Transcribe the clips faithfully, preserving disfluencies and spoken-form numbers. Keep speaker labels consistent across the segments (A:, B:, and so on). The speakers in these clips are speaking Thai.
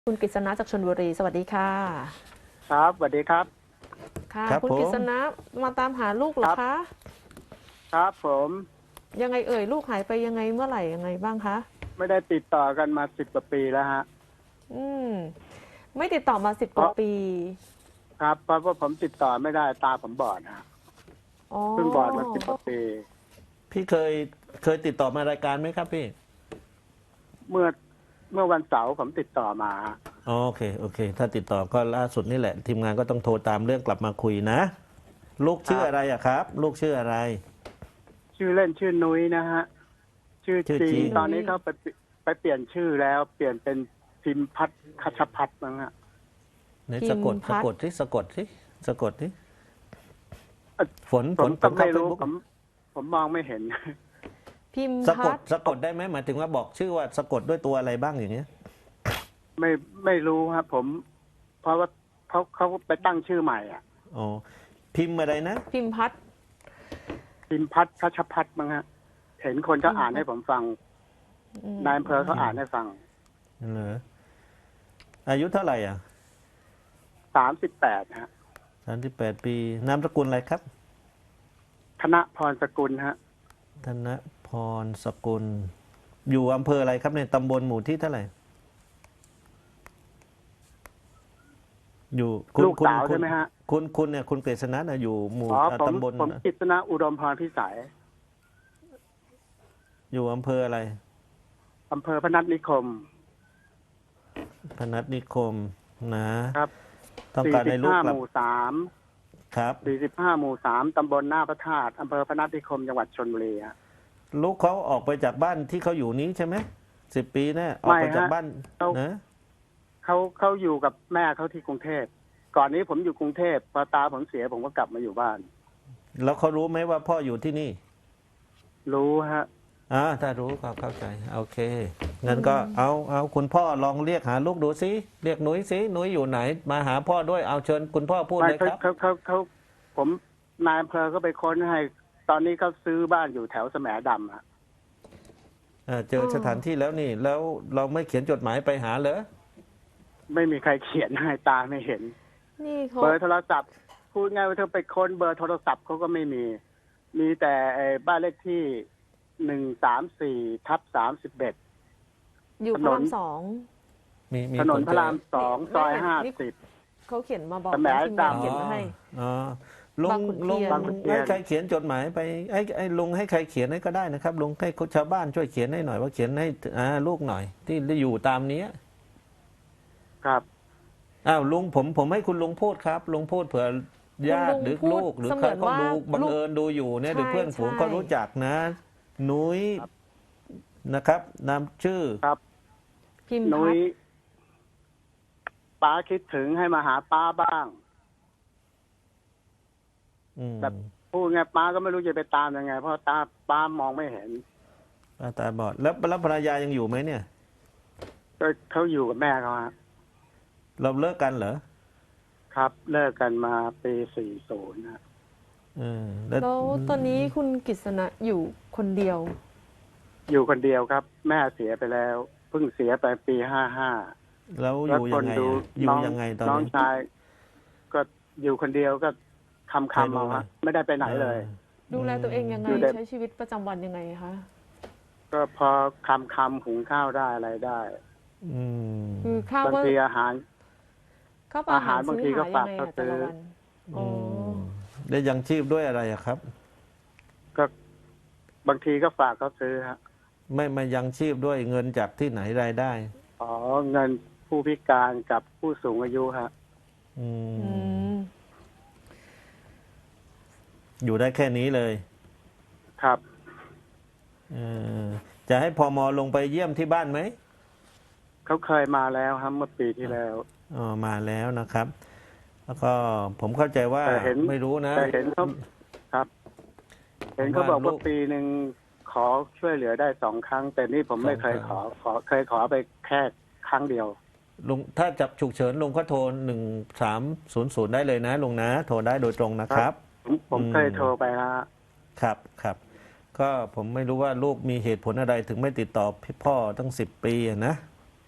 A: คุณกฤษณะจากชลบุรีสวัสดีค่ะ
B: ครับสวัสดีครับ
A: ค่ะ
C: ครับ
A: คุณกฤษ
C: ผม
A: ณะมาตามหาลูกเหรอคะ
B: ครับผม
A: ยังไงเอ่ยลูกหายไปยังไงเมื่อไหร่ยังไงบ้างคะ
B: ไม่ได้ติดต่อกันมาสิบกว่าปีแล้วฮะ
A: อืมไม่ติดต่อมาสิบ
B: เพราะ
A: กว่าปี
B: ครับเพราะว่าผมติดต่อไม่ได้ตาผมบอดฮะ
A: อ๋อ
B: เพิ่งบอดมาสิบกว่าปี
C: พี่เคยเคยติดต่อมารายการไหมครับพี่
B: เมื่อเมื่อวันเสาร์ผมติดต่อมาฮะ
C: อ๋อโอเคโอเค ถ้าติดต่อก็ล่าสุดนี่แหละ ทีมงานก็ต้องโทรตามเรื่องกลับมาคุยนะ ลูกชื่ออะไรอะครับ ลูกชื่ออะไร
B: ชื่อเล่นชื่อนุ้ยนะฮะชื่อ
C: ชื่อ
B: จ
C: จริ
B: ริง
C: ง
B: ตอนนี้เขาไปไปเปลี่ยนชื่อแล้ว เปลี่ยนเป็นพิมพัฒน์คัชพัฒน์มั้งฮะ
C: ไหนสะกดสะกดที่สะกดที่สะกดที่ฝน
B: ผ
C: ฝ
B: ม
C: นฝ
B: ก็
C: น
B: ไม่
C: เข้าเฟซ
B: รู้
C: บุ๊ก
B: ผมผมมองไม่เห็น
A: พิมพ์
C: สะก
A: พั
C: ด
A: ฒน์
C: สะกดได้ไหมหมายถึงว่าบอกชื่อว่าสะกดด้วยตัวอะไรบ้างอย่างเงี้ย
B: ไม่ไม่รู้ครับผม เพราะว่าเขาเขาไปตั้งชื่อใหม่อ่ะ
C: อ๋อพิมพ์อะไรนะ
A: พิมพ์พัฒน์
B: พิมพัฒน์คัชพัฒน์มั้งฮะเห็นคนเขาอ่านให้ผมฟัง
A: อืม
B: นายอำเภอเขาอ่านให้ฟัง
C: เหรออายุเท่าไหร่อ่ะ
B: สามสิบแปดฮะ
C: สามสิบแปดปีนามสกุลอะไรครับ
B: ธนพรสกุลฮะ
C: ธนพรสกุล อยู่อำเภออะไรครับในตำบลหมู่ที่เท่าไหร่ อยู่คุณ
B: ลูก
C: คุณ
B: สาว
C: คุ
B: ใช่
C: ณ
B: ไหมฮะ
C: คุณคุณเนี่ยคุณเกษณะน่ะอยู่หมู่
B: อ๋อ
C: อ่า
B: ผม
C: ตำบล
B: ผมกฤษณะอุดมพรพิสัย
C: อยู่อำเภออะไร
B: อำเภอพนัสนิคม
C: พนัสนิคมนะครับ ต้อง
B: สี่
C: การ
B: สิ
C: ให้
B: บ
C: ลูก
B: ห้าก
C: ลั
B: ห
C: บ
B: มู่สาม
C: ครับ
B: สี่สิบห้าหมู่สามตำบลหน้าพระธาตุอำเภอพนัสนิคมจังหวัดชลบุรีฮะ
C: ลูกเขาออกไปจากบ้านที่เขาอยู่นี้ใช่ไหมสิบปีแน่ออกไป
B: ไม่ฮะ
C: จากบ้าน
B: เขา
C: นะ
B: เขาเขาอยู่กับแม่เขาที่กรุงเทพก่อนนี้ผมอยู่กรุงเทพพอตาผมเสียผมก็กลับมาอยู่บ้าน
C: แล้วเขารู้ไหมว่าพ่ออยู่ที่นี่
B: รู้ฮะ
C: อ่าถ้ารู้ก็เข้าใจโอเคงั้นก็เอาเอาคุณพ่อลองเรียกหาลูกดูสิเรียกหนุ่ยสิหนุ่ยอยู่ไหน มาหาพ่อด้วยเอาเชิญคุณพ่อพูด
B: ไม่
C: เลย
B: เขา
C: ครับ
B: เขาเขาเขาผมนายอำเภอก็ไปค้นให้ ตอนนี้เขาซื้อบ้านอยู่แถวแสมดำฮะ
C: เอ่อเจอสถานที่แล้วนี่ แล้วเราไม่เขียนจดหมายไปหาเหรอ
B: ไม่มีใครเขียนให้ตาไม่เห็น
A: นี่เขา
B: เบอร์โทรศัพท์พูดง่ายว่าเธอไปค้นเบอร์โทรศัพท์เขาก็ไม่มี มีแต่ไอ้บ้านเลขที่หนึ่งสามสี่ทับสามสิบเอ็ด
A: อยู่
B: ถ
A: พ
B: น
A: ระ
B: น
A: รามสอง
C: มีมี
B: ถนน
C: ค
B: พระ
C: เจอ
B: รามสองซอยห้าสิบ
A: เขาเขียนมาบอก
B: สมัย
A: ทีมงาน
B: ดำ
A: เขียนมาให้
C: อ๋อลุ
A: บาง งขุนเทียน
C: ลุง
B: บางขุนเทียน
C: ให้ใครเขียนจดหมายไปไอ้ไอ้ลุงให้ใครเขียนให้ก็ได้นะครับลุงให้ชาวบ้านช่วยเขียนให้หน่อยว่าเขียนให้อ่าลูกหน่อย ที่ได้อยู่ตามเนี้ย
B: ครับ
C: อ้าวลุงผมผมให้คุณลุงพูดครับลุงพูดเผื่อญาติหรือลูกหรือใครเขาดูบังเอิญดูอยู่เนี่ยหรือเพื่อนฝูงเขารู้จักนะนุ้ยนะครับนามชื่อ
B: ครับ
A: พิมพ์
B: นุ้
A: พั
B: ย
A: ฒน์
B: ป้าคิดถึงให้มาหาป้าบ้าง
C: อืม
B: แบบ พูดไงป้าก็ไม่รู้จะไปตามยังไง เพราะตาป้ามองไม่เห็น
C: ป้าตาบอดแล้วแล้วภรรยายังอยู่ไหมเนี่ย
B: ก็เขาอยู่กับแม่เขาฮะ
C: เราเลิกกันเหรอ
B: ครับ เลิกกันมาปีสี่ศูนย์ฮะ
C: เออแล้ว
A: แล้วตอนนี้คุณกฤษณะอยู่คนเดียว
B: อยู่คนเดียวครับ แม่เสียไปแล้วเพิ่งเสียไปปีห้าห้า
C: แล้วอ
B: แล้ว
C: ยู่
B: ค
C: ยั
B: น
C: งไง
B: ดู
C: อะอยู่
B: น้อง
C: ยังไงตอน
B: น้อง
C: นี้
B: ชาย ก็อยู่คนเดียวก็คำคำเอาฮะไม่ได้ไปไหนเลย
A: ดูแลตัวเองยังไง
B: อยู่แต่
A: ใช้ชีวิตประจำวันยังไงคะ
B: ก็พอคำคำหุงข้าวได้อะไรได้
C: อืม
A: คือข้าว
B: บาง
A: ก็
B: ทีอาหาร
A: ข้าวปลาอาหาร
B: อาหารบาง
A: ซื้อ
B: ทีก็
A: หา
B: ฝา
A: ยั
B: ก
A: งไง
B: เขา
A: อะแต่ละ
B: ซื้อ
A: วันอ๋ออ
C: ได้ยังชีพด้วยอะไรอะครับ
B: ก็บางทีก็ฝากเขาซื้อฮะ
C: ไม่มายังชีพด้วยเงินจากที่ไหนรายได้
B: อ๋อเงินผู้พิการกับผู้สูงอายุฮะ
C: อืม
A: อืม
C: อยู่ได้แค่นี้เลย
B: ครับ
C: เออจะให้พมลงไปเยี่ยมที่บ้านไหม
B: เขาเคยมาแล้วครับเมื่อปีที่แล้ว
C: อ๋อมาแล้วนะครับ แล้วก็ผมเข้าใจว่า
B: แต่เห็น
C: ไม่รู้นะ
B: แต่เห็นเขาครับ เห็นเขาบอก
C: ว่าลู
B: ว่าก ปีหนึ่งขอช่วยเหลือได้สองครั้ง แต่นี่ผมไม่เคย
C: สองครั้
B: ของ ขอ เคยขอไปแค่ครั้งเดียว
C: ลุงถ้าจับฉุกเฉินลุงก็โทรหนึ่งสามศูนย์ศูนย์ได้เลยนะลุงนะ โทรได้โดยตรงนะครับ
B: ผมผม
C: อืม
B: เคยโทรไปฮะ
C: ครับครับ ก็ผมไม่รู้ว่าลูกมีเหตุผลอะไรถึงไม่ติดต่อพี่พ่อตั้งสิบปีอะนะ
A: อ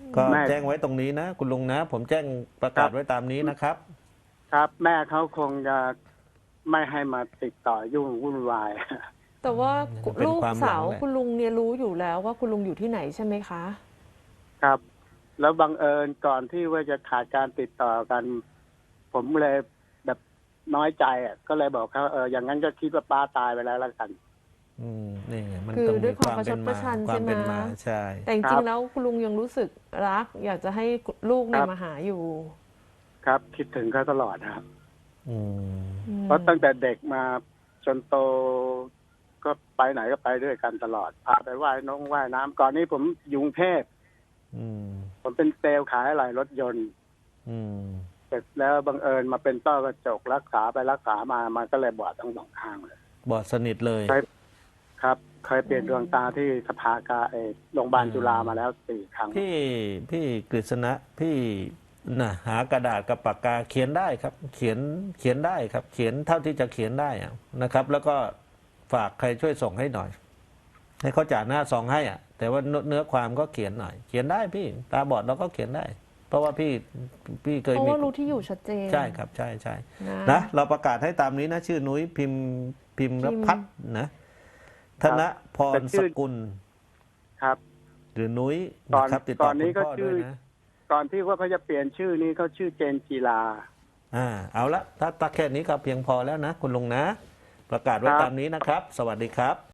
C: ก็
B: แม่
C: แจ้งไว้ตรงนี้นะ คุณลุงนะ ผมแจ้งประกาศไว้ตามนี้นะครับ
B: ครับ แม่เขาคงจะไม่ให้มาติดต่อยุ่งวุ่นวาย
A: แต่ว่า
C: เป็น
A: ลูก
C: ความหลัง
A: สาว
C: แหละ
A: คุณลุงเนี่ยรู้อยู่แล้วว่าคุณลุงอยู่ที่ไหนใช่ไหมคะ
B: ครับ แล้วบังเอิญก่อนที่ว่าจะขาดการติดต่อกัน ผมเลยแบบน้อยใจอ่ะก็เลยบอกเขาเอออย่างนั้นก็คิดว่าป้าตายไปแล้วแล้วกัน
C: อืมนี่ไงมัน
A: คือ
C: ต้อง
A: ด้
C: มี
A: วยความ
C: ความเป็น
A: ประชดประ
C: มา
A: ชัน
C: ความเป็น
A: ใช่ไหม
C: มาใช่
A: แต่จ
B: ครั
A: ริง
B: บ
A: ๆแล้วคุณลุงยังรู้สึกรัก อยากจะให้ลูกเนี่
B: ค
A: ย
B: รับ
A: มาหาอยู่
B: ครับ คิดถึงเขาตลอดนะครับ
C: อืม
A: อืม
B: เพราะตั้งแต่เด็กมาจนโตก็ไปไหนก็ไปด้วยกันตลอดพาไปว่ายน้องว่ายน้ำก่อนนี้ผมอยู่กรุงเทพ
C: อืม
B: ผมเป็นเซลล์ขายอะไหล่รถยนต์
C: อืม
B: เสร็จแล้วบังเอิญมาเป็นต้อกระจกรักษาไปรักษามามันก็เลยบอดทั้งสองข้างเลย
C: บอดสนิทเลย
B: ใช่ ครับเคยเปลี่ยนดวงตาที่สภากาเออโรงพยาบาลจุฬามาแล้วสี่ครั้ง
C: พี่พี่กฤษณะพี่นะหากระดาษกับปากกาเขียนได้ครับ เขียนเขียนได้ครับ เขียนเท่าที่จะเขียนได้อะนะครับ แล้วก็ฝากใครช่วยส่งให้หน่อย ให้เขาจ่าหน้าซองให้อ่ะ แต่ว่าเนื้อความก็เขียนหน่อย เขียนได้พี่ ตาบอดเราก็เขียนได้ เพราะว่าพี่พี่เคย
A: เพราะ
C: มี
A: ว่ารู้ที่อยู่ชัดเจน
C: ใช่ครับ ใช่ใช่
A: นะ
C: นะเราประกาศให้ตามนี้นะ ชื่อนุ้ยพิมพ์พิมพ์รพัฒน์นะธนพรสกุล
B: ครับ
C: หรือนุ้ย
B: ก่อน
C: นะครับ ติด
B: ก่
C: ต่อ
B: อน
C: คุ
B: นี้
C: ณ
B: ก็
C: พ่อ
B: ชื่
C: ด้ว
B: อ
C: ยนะ
B: ก่อนที่ว่าเขาจะเปลี่ยนชื่อนี้เขาชื่อเจนจีลา
C: อ่าเอาละถ้าถ้าแค่นี้ก็เพียงพอแล้วนะ คุณลุงนะ ประกาศไว้
B: ครับ
C: ตามนี้นะครับ สวัสดีครับ